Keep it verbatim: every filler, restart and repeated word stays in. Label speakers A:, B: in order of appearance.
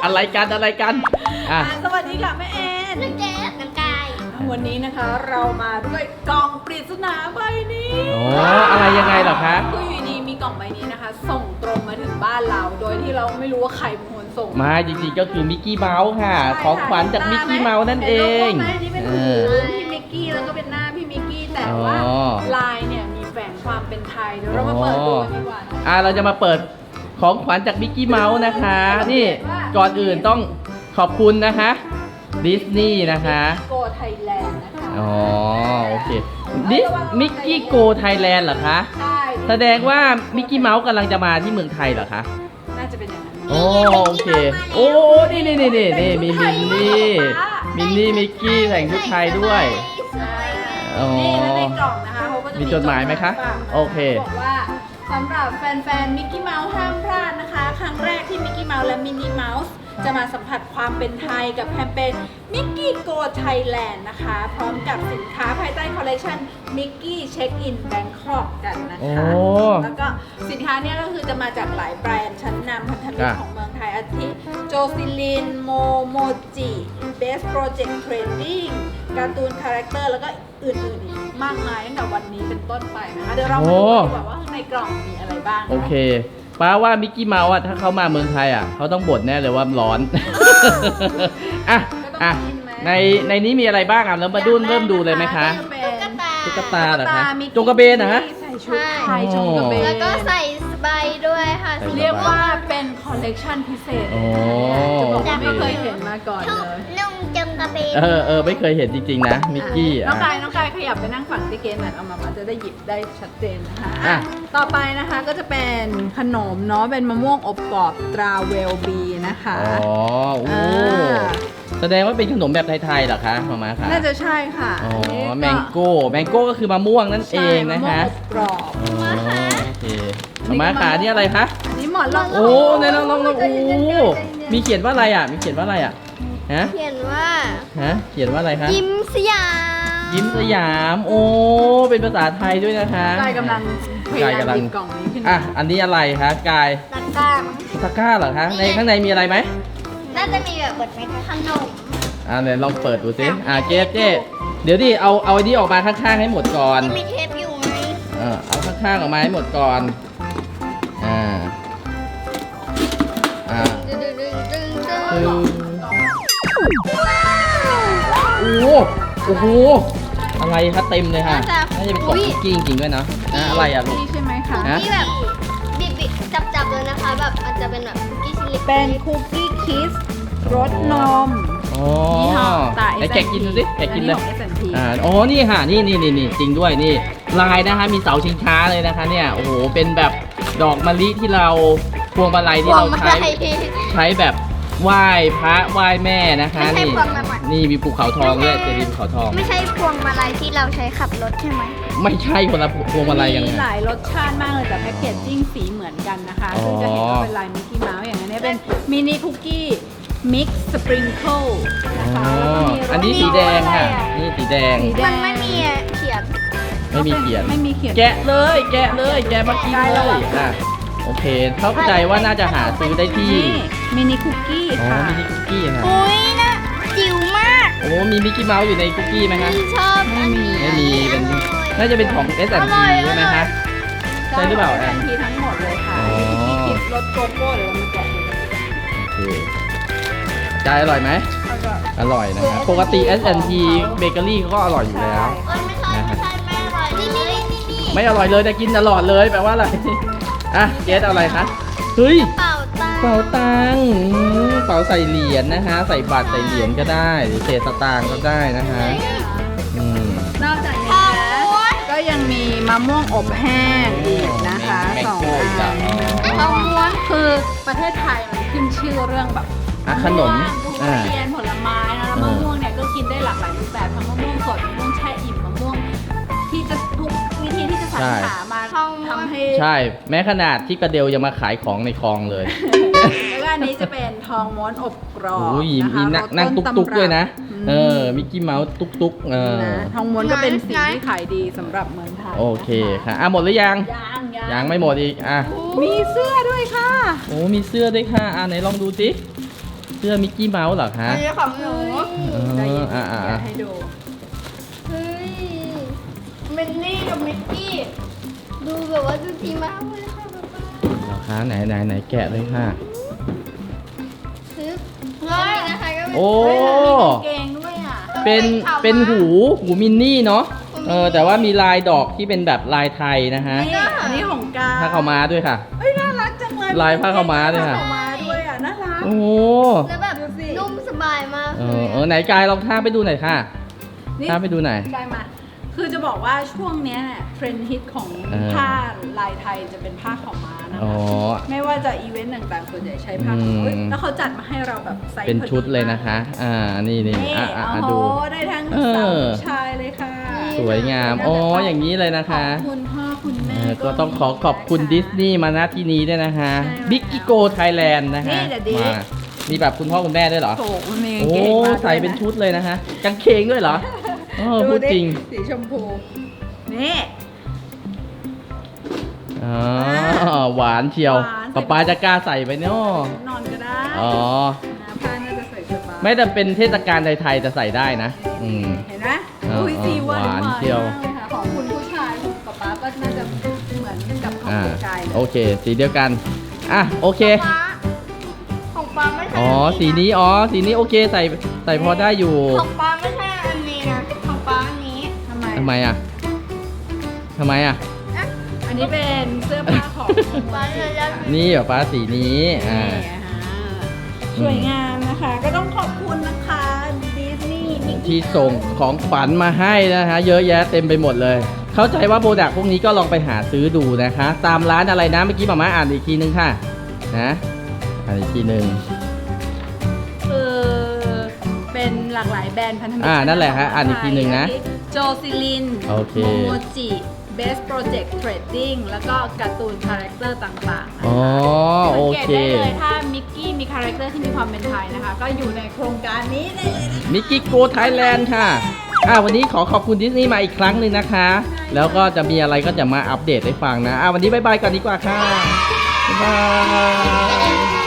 A: อะไรกันอะไรกันอ่ะ
B: สวัสดีค่ะแม่แอนน้องเจสน้องกายวันนี้นะคะเรามาด้วยกล่องปริศนาใบนี้
A: โอ้อะไรยังไงเหรอคะ
B: คืออยู่ดีมีกล่องใบนี้นะคะส่งตรงมาถึงบ้านเราโดยที่เราไม่รู้ว่าใครเป็นคนส่ง
A: มาจริงๆก็คือมิกกี้เมาส์ค่ะของขวัญจากมิกกี้เมาส์นั่นเอง
B: นี่เป็นหูพี่มิกกี้แล้วก็เป็นหน้าพี่มิกกี้แต่ว่าลายเนี่ยมีแฝงความเป็นไทยเดี๋ยวเรามาเปิดดูกันดีกว่า
A: อ่ะเราจะมาเปิดของขวัญจากมิกกี้เมาส์นะคะนี่ก่อนอื่นต้องขอบคุณนะคะดิสนีย์นะคะ
B: โกไทยแลนด์นะคะ
A: อ๋อโอเคดิสมิกกี้โกไทยแลนด์เหรอคะ
B: ใช่
A: แสดงว่ามิกกี้เมาส์กำลังจะมาที่เมืองไทยเหรอคะ
B: น่าจะเป็นอย่างนั้น
A: โอ้โอเคโอ้นี่นี่นี่นี่นี่มีมินนี่มินนี่มิกกี้แต่งชุดไทยด้วย
B: อ๋อในกล่องนะคะเขาก็จะ
A: มีจดหมายไหมคะโอเค
B: บอกว่าสำหรับแฟนๆมิกกี้เมาส์ห้ามพลาดนะคะครั้งแรกที่มิกกี้เมาส์และมินนี่เมาส์จะมาสัมผัสความเป็นไทยกับแคมเปญมิกกี้โกไทยแลนด์นะคะพร้อมกับสินค้าภายใต้คอลเลคชันมิกกี้เช็คอินแบงคอกกันนะคะแล้วก็สินค้านี้ก็คือจะมาจากหลายแบรนด์ชั้นนำพันธมิตรของเมืองไทยอาทิโจซิลินโมโมจิเบสโปรเจกต์เทรดดิ้งการ์ตูนคาแรคเตอร์แล้วก็อื่นๆอีกมากมายตั้งแต่วันนี้เป็นต้นไปนะคะเดี๋ยวเรามาดูดีกว่าว่าข้างในกล่องมีอะไรบ้าง
A: โอเคป้าว่ามิกกี้เมาส์อ่ะถ้าเขามาเมืองไทยอ่ะเขาต้องบ่นแน่เลยว่าร้อนอ่ะอ่ะในในนี้มีอะไรบ้างอ่ะเรามาดูเริ่มดูเลยไหมคะตุ๊กตาเหรอคะจงกระเบนนะฮะ
B: ใส่ชุดไทยจงกระเบน
C: แล้วก็ใส่สบายด้วยค่ะ
B: เรียกว่าเป็นคอลเลกชันพิเศษจะบอกว่าไม่เคยเห็นมาก่อนเลย
C: นุ่งจงกระเบน
A: เออเออไม่เคยเห็นจริงๆนะมิกกี้
B: น้องกายน้องกายขยับไปนั่งฝั่งที่เกณฑ์หน่อยเอามาจะได้หยิบได้ชัดเจนนะคะต่อไปนะคะก็จะเป็นขนมเนาะเป็นมะม่วงอบกรอบตราเวลบีนะคะ
A: อ๋อโอ้แสดงว่าเป็นขนมแบบไทยๆเหรอคะมาม่าค่ะ
B: น่าจะใช่ค่ะ
A: อ๋อแมงโก้แมงโก้ก็คือมะม่วงนั่นเองนะคะ
B: กรอบ
A: โอเคมาม่าค่ะนี่อะไรคะ
B: นี่หมอนรอง
A: โอ้ในลองลองลองโอ้มีเขียนว่าอะไรอ่ะมีเขียนว่าอะไรอ่ะฮะ
C: เขียนว่า
A: ฮะเขียนว่าอะไรคะ
C: ยิ้มสยาม
A: ยิ้มสยามโอ้เป็นภาษาไทยด้วยนะคะ
B: กายกำลังพยายามหยิบกล่องนี้ขึ้น
A: อ่ะอันนี้อะไรคะกาย
C: ตะกร้า
A: ตะกร้าเหรอคะในข้างในมีอะไรไหม
C: น่าจะมีแบบเปิดไหมขนม
A: อ่าเนี่ยลองเปิดดูสิอ่าเจ๊เจ๊เดี๋ยวดิเอาเอาไอ้นี้ออกมาข้างๆให้หมดก่อน
C: มีเทปอยู่ไหม
A: เออเอาข้างๆออกมาให้หมดก่อนอ่าอ่า
C: ดึงดึงดึงดึงดึง
A: โอ้โหโอ้โหอะไรคะเต็มเลยค่ะน่าจะเป็นกล่องคุกกี้จริงๆด้วยนะอะไรอ่ะลูก
B: ใช่ไหมคะ
C: ที่แบบบิบๆจับๆเลยนะคะแบบอาจจะเป็นแบบคุกกี้ชิ้นเล็ก
B: เป็นคุกกี้คิสรสนม
A: อ๋อไอ้แกะกินดูสิแกะกินเลยอ่าอ๋อนี่ค่ะนี่นี่นี่นี่จริงด้วยนี่ลายนะคะมีเสาชิงช้าเลยนะคะเนี่ยโอ้โหเป็นแบบดอกมะลิที่เราพวงมาลัยที่เราใช้ใช้แบบไหว้พระไหว้แม่นะคะนี่นี่มีภูเขาทองด้วยจะมีภูเขาทอง
C: ไม่ใช่พวงมาลัยที่เราใช้ขับรถใช่ไหม
A: ไม่ใช่คนละพวงมาลัยกัน
B: มีหลายรสชาติมากเลยแต่แพ็กเกจจิ้งสีเหมือนกันนะคะซึ่งจะเห็นว่าเป็นลายมิกกี้เมาส์อย่างนี้เป็นมินิคุกกี้มิกซ์สปริงเกิลนะคะ
A: อันนี้สีแดงค่ะนี่สีแดง
C: มันไม่มีเขียน
A: ไม่มีเขียน
B: ไม่มีเขียน
A: แกะเลยแกะเลยแกะมากินเลยอ่ะโอเคเข้าใจว่าน่าจะหาซื้อได้ที่
B: มินิคุกกี้
A: ค่ะมินิคุกกี้ค่ะ
C: อุ้ยนะจิ๋วมาก
A: โอ้มีมิกกี้เมาส์อยู่ในคุกกี้ไหมคะ
C: ชอบ
B: ไม่มี
A: ไม่มีเป็นน่าจะเป็นของ เอส แอนด์ พี ใช่ไหมคะใช่หรือเปล่า
B: เอส แอนด์ พี ทั้งหมดเลยค่ะมีคิดรสโกโก้เดี๋ยวเรามาแกะดู
A: โอเคใจอร่อยไหมอร่อยนะครับปกติ เอส แอนด์ พี เบเกอรี่เขาก็อร่อยอยู่แล้ว
C: นะครับ
A: ไม่อร่อยเลยแต่กินตลอดเลยแปลว่าอะไรอ่ะเจสเอาอะไรคะเฮ้ย
C: เป่าตัง
A: เป่าตังเป่าใส่เหรียญนะคะใส่บัตรใส่เหรียญก็ได้หรือเศษสตางค์ก็ได้นะคะอืม
B: นอกจากนี้นะก็ยังมีมะม่วงอบแห้งอีกนะคะสองอันมะม่วงคือประเทศไทยมันขึ้นชื่อเรื่องแบบ
A: ขนม
B: ทุเรียนผลไม้นะแล้วมะม่วงเนี่ยก็กินได้หลากหลายรูปแบบทั้งมะม่วงสดมะม่วงแช่อิ่มมะม่วงที่จะทุกวิธีที่จะสรรหามาทำให้
A: ใช่แม้ขนาดที่กระเดลยังมาขายของในคลองเลย
B: แล้วก็อันนี้จะเป็นทองม้วนอบกรอบ
A: นะคะนั่งตุ๊กๆด้วยนะเออมิกกี้เมาส์ตุ๊กๆเออ
B: ทองม้วนก็เป็นสิ่งที่ขายดีสำหรับเมืองไทย
A: โอเคค่ะอ่ะหมดหรือยัง
B: ยัง
A: ยังไม่หมดอีกอ่ะ
B: มีเสื้อด้วยค่ะ
A: โอ้มีเสื้อด้วยค่ะอ่ะไหนลองดูสิสื้อมิกกี้เมาส์เหรอคะ
C: อันนี้ของหนู
A: เอ
B: ใจ
A: อ
B: เย็น
A: อ่าอ่า
B: อยากให้ดู
C: เฮ้ยมินนี่กับมิกกี้ดูแบบว่าดูดีมากเลยค่ะป๊าป๊า
A: เหรอคะไหนไหนไหนแกะเลยค่ะ
C: ซื้อเฮ้ยนะคะก็เป็น
A: โอ้
B: เฮ้ยแล้วมีกางเกงด้วยอ่ะ
A: เป็นเป็นหูหูมินนี่เนาะเออแต่ว่ามีลายดอกที่เป็นแบบลายไทยนะฮะ
B: นี่อันนี้ของกา
A: ผ้าขาวม้าด้วยค่ะ
B: เอ้ยน่ารักจังเลย
A: ลายผ้าขาวม้าด้วยค่ะ
B: ผ้ขาวม้าด้วยอ่ะน่ารัก
A: โอ้โห
C: แล้วแบบ
B: ดูสิ
C: นุ่มสบายมาก
A: เอ
C: เล
A: อย เออไหนกายลองท่าไปดูหน่อยค่ะ
B: นี่
A: ท่าไปดูหน่อย
B: กลายมา คือจะบอกว่าช่วงเนี้ยเนี่ยเทรนด์ฮิตของ
A: เออ
B: ผ้าลายไทยจะเป็นผ้าขาวม้านะ
A: อ๋อ
B: คะไม่ว่าจะอีเวนต์ต่างๆส่วนใหญ่ใช้ผ้า
A: อืม
B: ขาวม้าเอ้ยแล้วเขาจัดมาให้เราแบบไซส์
A: เป็น
B: พอ
A: ชุดเลยนะคะ อ่านี่นี่
B: นี่
A: อ่ะอ่ะ
B: โอ้
A: อ่ะ
B: โห
A: ดู
B: ได้ทั้ง
A: เออ
B: สาวผู้ชายเลยค่ะ
A: สวยงามอ๋ออย่างนี้เลยนะคะ
B: ขอบคุณพ่อคุณ
A: เอ
B: แม่
A: อก็ต้องขอขอบคุณดิสนีย์มาณที่นี้ด้วยนะคะ
B: ใช่แล้ว
A: บิ๊กกิโกไทยแลนด์นะคะ
B: นี่เดี๋ยวดิ
A: มามีแบบคุณพ่อคุณแม่ด้วยเหรอ
B: โถมันมีกาง
A: โอ้
B: เกงมาด้วยะ
A: ใส่เป็นชุดเลยนะคะกางเกงด้วยเหรอเออพูดจริง
B: สีชมพู นี่
A: อ๋อหวานเชียว
B: หวาน
A: ป๊าป๊าจะกล้าใส่ไปเนาะ
B: นอนก็ได้
A: อ๋อ
B: นะผ้าน่าจะใส่สบาย
A: ไม่แต่เป็นเทศกาลไทยๆจะใส่ได้นะ อืม
B: เห็นไหม
A: เออ
B: อุ้ยสีหวาน
A: หวานเชียว
B: มากเลยค่ะของคุณผู้ชายคุณป๊าป๊าก็น่าจะเหมือนกับของ
A: อ่า
B: คุณกายเล
A: โอย เค สีเดียวกัน อ่ะโอเค
C: ฟ้าของปลาไม่ใช่
A: อ๋อ สีนี้ อ๋อ สีนี้โอเค ใส่ ใส่พอได้อยู่
C: ของปลาไม่ใช่อันนี้นะของปลาอันนี้
B: ทำไม
A: ทำไมอ่ะทำไมอ่ะ
B: อันนี้เป็นเสื้อผ้าของ
C: ปลาจะยัด
A: นี่แบบฟ้าสีนี้ อ่า
B: นี่อ่ะสวยงามนะคะ ก็ต้องขอบคุณนะคะดิสนีย์มิกกี้
A: ที่ส่งของขวัญมาให้นะฮะ เยอะแยะเต็มไปหมดเลย เข้าใจว่าโปรดักต์พวกนี้ก็ลองไปหาซื้อดูนะคะ ตามร้านอะไรนะ เมื่อกี้หมาม่าอ่านอีกทีนึงค่ะ นะ อ่านอีกทีนึง
B: คือเป็นหลากหลายแบรนด์พันธมิตร
A: อ่านั่นแหละฮะอ่านอีกทีหนึ่งนะ
B: โจซิลิน
A: โอเค
B: โมโมจิ Best Project Trading แล้วก็การ์ตูนคาแรคเตอร์ต่างๆนะคะ
A: อ๋อ โอ
B: สัง
A: เค
B: เกตได้เลยถ้ามิกกี้มีคาแรคเตอร์ที่มีความเป็นไทยนะคะ ก็อยู่ในโครงการนี้ได้เลยนะคะ
A: มิกกี้โกไทยแลนด์ค่ะ อ่าวันนี้ขอขอบคุณดิสนีย์มาอีกครั้งหนึ่งนะคะ แล้วก็จะมีอะไรก็จะมาอัปเดตให้ฟังนะ อ่าวันนี้บายบายก่อนดีกว่าค่ะ บ๊ายบาย